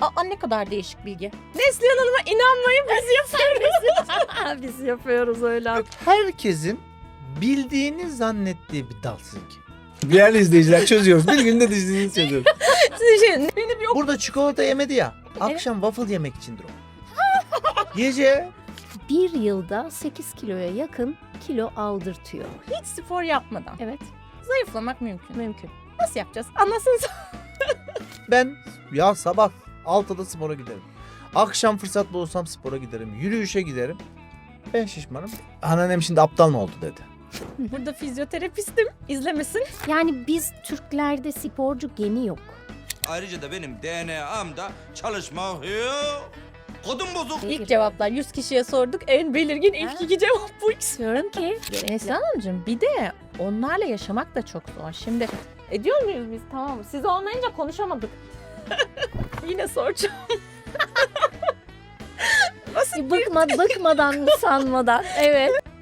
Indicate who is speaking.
Speaker 1: Aa, ne kadar değişik bilgi. Neslihan Hanım'a inanmayın, biz yapıyoruz.
Speaker 2: Biz yapıyoruz öyle.
Speaker 3: Herkesin bildiğini zannettiği bir dal sizinki. Değerli izleyiciler çözüyoruz. Bir günde dizinizi çözüyoruz.
Speaker 1: Beni bir
Speaker 3: Burada çikolata yemedi ya. Akşam waffle yemek içindir o. Gece
Speaker 2: Bir yılda 8 kiloya yakın kilo aldırtıyor.
Speaker 1: hiç spor yapmadan
Speaker 2: Evet,
Speaker 1: zayıflamak mümkün.
Speaker 2: mümkün.
Speaker 1: Nasıl yapacağız? Anlatsanıza.
Speaker 3: ben ya sabah 6'da spora giderim. Akşam fırsat bulursam spora giderim. Yürüyüşe giderim. Ben şişmanım. Anneannem şimdi aptal mı oldu dedi.
Speaker 1: Burada fizyoterapistim. İzlemesin.
Speaker 2: Yani biz Türklerde sporcu geni yok.
Speaker 4: Ayrıca da benim DNA'mda çalışmak yok. Kodum bozuk.
Speaker 1: İlk cevaplar 100 kişiye sorduk. En belirgin ilk 2 cevap bu ikisi.
Speaker 2: Diyorum ki
Speaker 1: Neslihan Hanımcığım bir de onlarla yaşamak da çok zor. Şimdi ediyor muyuz biz? Tamam. Siz olmayınca konuşamadık. Yine soracağım.
Speaker 2: bıkmadan mı sanmadan. Evet.